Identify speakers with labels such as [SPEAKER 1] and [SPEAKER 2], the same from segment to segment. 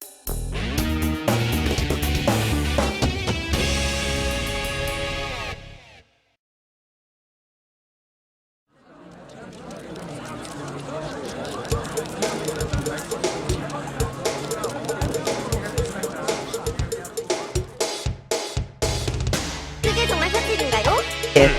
[SPEAKER 1] 그게 정말 사실인가요?
[SPEAKER 2] 예.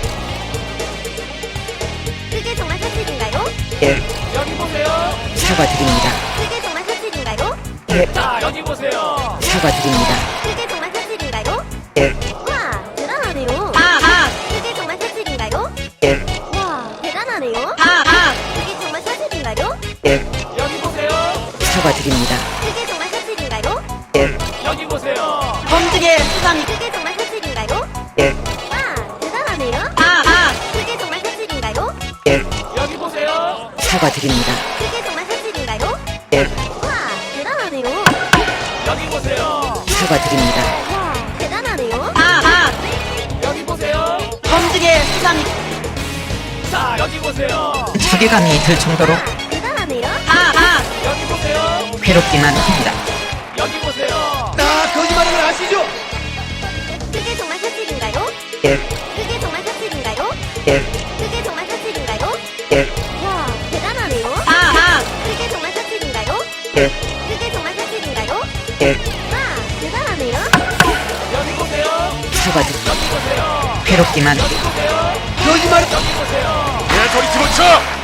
[SPEAKER 1] 그게 정말 사실인가요?
[SPEAKER 2] 예.
[SPEAKER 3] 여기 보세요.
[SPEAKER 2] 사과드립니다.
[SPEAKER 1] 그게 정말 사실인가요?
[SPEAKER 2] 예.
[SPEAKER 3] 자, 여기 보세요.
[SPEAKER 2] 사과드립니다.
[SPEAKER 1] 그게 정말 사실인가요?
[SPEAKER 2] 예.
[SPEAKER 1] 와, 대단하네요. 그게 정말 사실인가요?
[SPEAKER 2] 예.
[SPEAKER 1] 와, 대단하네요. 그게 정말 사실인가요?
[SPEAKER 2] 예.
[SPEAKER 3] 여기 보세요.
[SPEAKER 2] 사과드립니다.
[SPEAKER 1] 그게 정말 사실인가요?
[SPEAKER 2] 예.
[SPEAKER 3] 여기 보세요.
[SPEAKER 4] 범죄의 수단이
[SPEAKER 1] 그게 정말 사실인가요?
[SPEAKER 2] 예.
[SPEAKER 1] 와, 대단하네요. 그게 정말 사실인가요?
[SPEAKER 2] 예.
[SPEAKER 3] 여기 보세요.
[SPEAKER 2] 사과드립니다.
[SPEAKER 1] 그게 정말 사실인가요?
[SPEAKER 2] 예.
[SPEAKER 1] 와, 대단하네요.
[SPEAKER 3] 여기 보세요.
[SPEAKER 2] 사과드립니다.
[SPEAKER 1] 와, 대단하네요.
[SPEAKER 3] 여기 보세요.
[SPEAKER 4] 범죄의 수단이
[SPEAKER 3] 자, 여기 보세요.
[SPEAKER 2] 소리감이 들 정도로
[SPEAKER 1] 와, 대단하네요.
[SPEAKER 3] 여기 보세요.
[SPEAKER 2] 괴롭기만 합니다.
[SPEAKER 3] 여기 보세요.
[SPEAKER 5] 거짓말하는 걸 아시죠?
[SPEAKER 1] 그게 정말 사실인가요?
[SPEAKER 2] 예.
[SPEAKER 1] 그게 정말 사실인가요?
[SPEAKER 2] 예.
[SPEAKER 1] 그게 정말 사실인가요?
[SPEAKER 2] 예.
[SPEAKER 1] 와, 대단하네요. 그게 정말 사실인가요?
[SPEAKER 2] 예.
[SPEAKER 1] 그게 정말 사실인가요?
[SPEAKER 2] 예.
[SPEAKER 1] 와, 대단하네요.
[SPEAKER 3] 여기 보세요.
[SPEAKER 2] 사과드립니다.
[SPEAKER 3] 여기 보세요.
[SPEAKER 2] 괴롭기만
[SPEAKER 3] 여기 보세요.
[SPEAKER 5] 거짓말.
[SPEAKER 3] 여기 보세요.
[SPEAKER 5] 내 소리 집어쳐.